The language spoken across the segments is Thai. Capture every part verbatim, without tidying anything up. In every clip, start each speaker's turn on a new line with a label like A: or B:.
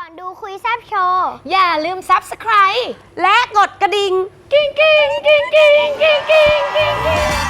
A: อนดูคุยแซบโชว์
B: อย่าลืม ซับสไครบ์
C: และกดกระดิ่ง
B: กิ้งกิ้งกิ้งกิ้งกิ้งกิ้งกิ้งกิ้ง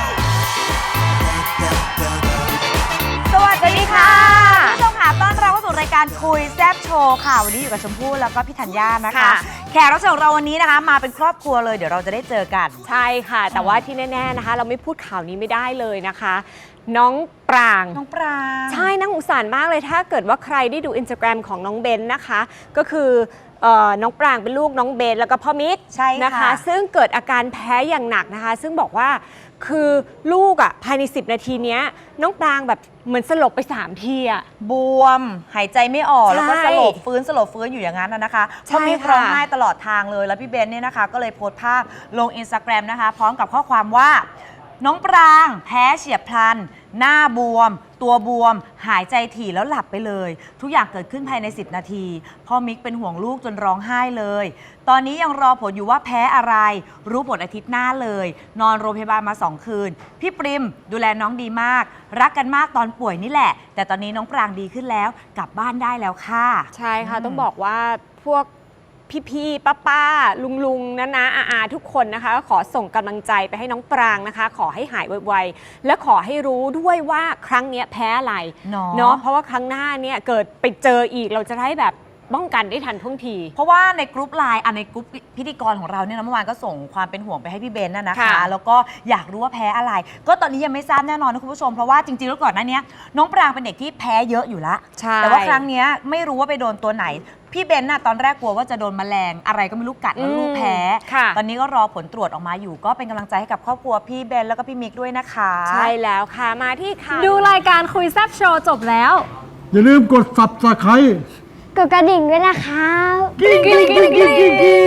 C: สวัสดีค่ะผู้ชมค่ะต้อนรับเข้าสู่รายการคุยแซบโชว์ค่ะวันนี้อยู่กับชมพู่แล้วก็พี่ธัญญานะคะแขกรับเชิญของเราวันนี้นะคะมาเป็นครอบครัวเลยเดี๋ยวเราจะได้เจอกัน
B: ใช่ค่ะแต่ว่าที่แน่ๆนะคะเราไม่พูดข่าวนี้ไม่ได้เลยนะคะน้องปราง
C: น้องปราง
B: ใช่น่าสงสารมากเลยถ้าเกิดว่าใครได้ดู Instagram ของน้องเบนนะคะก็คือน้องปรางเป็นลูกน้องเบนแล้วก็พ่อมิก
C: ใช่
B: นะคะซึ่งเกิดอาการแพ้อย่างหนักนะคะซึ่งบอกว่าคือลูกอ่ะภายในสิบนาทีนี้น้องปรางแบบเหมือนสลบไปสามทีอ่ะ
C: บวมหายใจไม่ออกแล้วก็สลบฟื้นสลบฟื้นอยู่อย่างนั้นนะคะพ่อมิกร้องไห้ตลอดทางเลยแล้วพี่เบนเนี่ยนะคะก็เลยโพสต์ภาพลง Instagram นะคะพร้อมกับข้อความว่าน้องปรางแพ้เฉียบพลันหน้าบวมตัวบวมหายใจถี่แล้วหลับไปเลยทุกอย่างเกิดขึ้นภายในสิบนาทีพ่อมิกเป็นห่วงลูกจนร้องไห้เลยตอนนี้ยังรอผลอยู่ว่าแพ้อะไรรู้ผลอาทิตย์หน้าเลยนอนโรงพยาบาลมาสองคืนพี่ปริมดูแลน้องดีมากรักกันมากตอนป่วยนี่แหละแต่ตอนนี้น้องปรางดีขึ้นแล้วกลับบ้านได้แล้วค่ะ
B: ใช่ค่ะต้องบอกว่าพวกพี่ๆป้าๆลุงๆนะนะอาอาทุกคนนะคะขอส่งกำลังใจไปให้น้องปรางนะคะขอให้หายไวๆและขอให้รู้ด้วยว่าครั้งนี้แพ้อะไรเนาะเพราะว่าครั้งหน้าเนี่ยเกิดไปเจออีกเราจะได้แบบป้องกันได้ทันท่วงที
C: เพราะว่าในกรุ๊ปไลน์ในกรุ๊ปพิธีกรของเราเนี่ยนะเมื่อวานก็ส่งความเป็นห่วงไปให้พี่เบนน่ะนะคะแล้วก็อยากรู้ว่าแพ้อะไรก็ตอนนี้ยังไม่ทราบแน่นอนนะคุณผู้ชมเพราะว่าจริงๆแล้วก่อนหน้านี้น้องปรางเป็นเด็กที่แพ้เยอะอยู่ละแต่ว่าครั้งนี้ไม่รู้ว่าไปโดนตัวไหนพี่เบนน่ะตอนแรกกลัวว่าจะโดนแมลงอะไรก็ไม่รู้กัดแล้วลูกแพ้ตอนนี้ก็รอผลตรวจออกมาอยู่ก็เป็นกำลังใจให้กับครอบครัวพี่เบนแล้วก็พี่มิกด้วยนะคะ
B: ใช่แล้วค่ะมาที่ค่ะ
D: ดูรายการคุยแซบโชว์จบแล้ว
E: อย่าลืมกด ซับสไครบ์
A: กดกระดิ่งด้วยนะคะ
E: กิ้งกิ้งกิ้งกิ้งกิ้ง